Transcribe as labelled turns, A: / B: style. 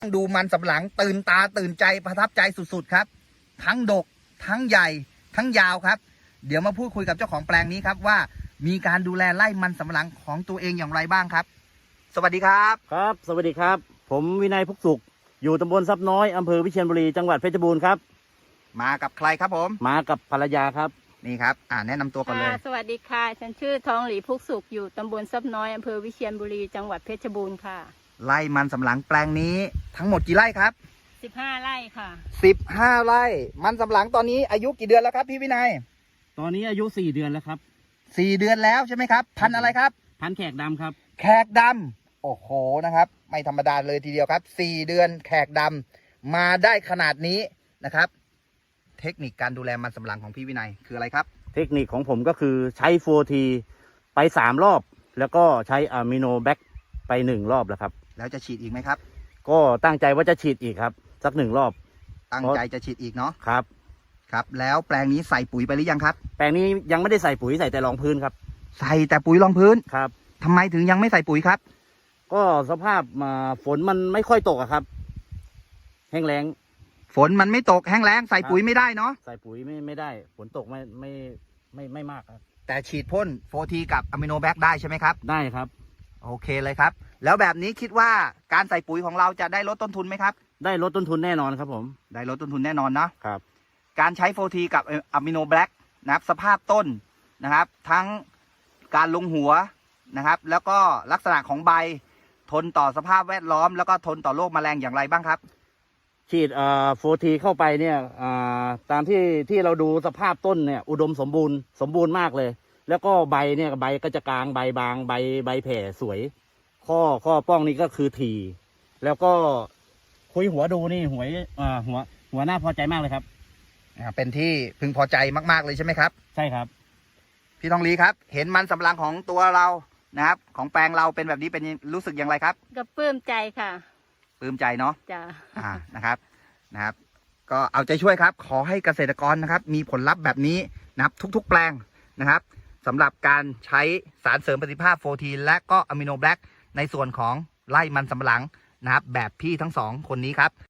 A: ดูมันสำปะหลังตื่นตาตื่นใจประทับใจสุดๆครับทั้งดกทั้งใหญ่ทั้งยาวครับเดี๋ยวมาพูดคุยกับเจ้าของแปลงนี้ครับว่ามีการดูแลไร่มันสำปะหลังของตัวเองอย่างไรบ้างครับสวัสดีครับ
B: ครับสวัสดีครับผมวินัยพุกสุขอยู่ตำบลทรัพย์น้อยอำเภอวิเชียรบุรีจังหวัดเพชรบูรณ์ครับ
A: มากับใครครับผม
B: มากับภรรยาครับ
A: นี่ครับแนะนำตัวก่อนเลย
C: สวัสดีค่ะฉันชื่อทองหลีพุกสุขอยู่ตำบลทรัพย์น้อยอำเภอวิเชียรบุรีจังหวัดเพชรบูรณ์ค่ะ
A: ไร่มันสำปะหลังแปลงนี้ทั้งหมดกี่ไร่ครับ
C: 15 ไร่ค่ะ
A: 15 ไร่มันสำปะหลังตอนนี้อายุกี่เดือนแล้วครับพี่วินัย
B: ตอนนี้อายุ4 เดือนแล้วครับ
A: 4 เดือนแล้วใช่ไหมครับพันธุ์อะไรครับ
B: พันธุ์แขกดำครับ
A: แขกดำโอ้โหนะครับไม่ธรรมดาเลยทีเดียวครับ4 เดือนแขกดำมาได้ขนาดนี้นะครับเทคนิคการดูแลมันสำปะหลังของพี่วินัยคืออะไรครับ
B: เทคนิคของผมก็คือใช้4Tไป3 รอบแล้วก็ใช้อะมิโนแบคไป1 รอบแล้วครับ
A: แล้วจะฉีดอีกไหมครับ
B: ก็ตั้งใจว่าจะฉีดอีกครับสัก1 รอบ
A: ตั้งใจจะฉีดอีกเนาะ
B: ครับ
A: ครับแล้วแปลงนี้ใส่ปุ๋ยไปหรือยังครับ
B: แปลงนี้ยังไม่ได้ใส่ปุ๋ยใส่แต่รองพื้นครับ
A: ใส่แต่ปุ๋ยรองพื้น
B: ครับ
A: ทำไมถึงยังไม่ใส่ปุ๋ยครับ
B: ก็สภาพฝนมันไม่ค่อยตกอะครับแห้งแล้ง
A: ฝนมันไม่ตกแห้งแล้งใส่ปุ๋ยไม่ได้เนาะ
B: ใส่ปุ๋ยไม่ได้ฝนตกไม่มากครับ
A: แต่ฉีดพ่น4Tกับอะมิโนแบคได้ใช่ไหมครับ
B: ได้ครับ
A: โอเคเลยครับแล้วแบบนี้คิดว่าการใส่ปุ๋ยของเราจะได้ลดต้นทุนไหมครับ
B: ได้ลดต้นทุนแน่นอนครับผม
A: ได้ลดต้นทุนแน่นอนนะครับการใช้4Tกับอะมิโนแบคนะครับสภาพต้นนะครับทั้งการลงหัวนะครับแล้วก็ลักษณะของใบทนต่อสภาพแวดล้อมแล้วก็ทนต่อโรคแมลงอย่างไรบ้างครับ
B: ฉีด4Tเข้าไปเนี่ยตามที่เราดูสภาพต้นเนี่ยอุดมสมบูรณ์มากเลยแล้วก็ใบเนี่ยใบก็จะกลางใบบางใบแผ่สวยข้อป้องนี่ก็คือถี่แล้วก็คุยหัวดูนี่หัวหน้าพอใจมากเลยครับ
A: เป็นที่พึงพอใจมากๆเลยใช่ไหมครับ
B: ใช่ครับ
A: พี่ทองลีครับเห็นมันสำปะหลังของตัวเรานะครับของแปลงเราเป็นแบบนี้เป็นรู้สึกอย่างไรครับ
C: ก็ปลื้มใจค่ะ
A: ปลื้มใจเนาะ
C: จ้ะ
A: นะครับก็เอาใจช่วยครับขอให้เกษตรกรนะครับมีผลลัพธ์แบบนี้นะครับทุกๆแปลงนะครับสำหรับการใช้สารเสริมประสิทธิภาพ4Tและก็อะมิโนแบคในส่วนของไร่มันสำปะหลังนะครับแบบพี่ทั้ง2 คนนี้ครับ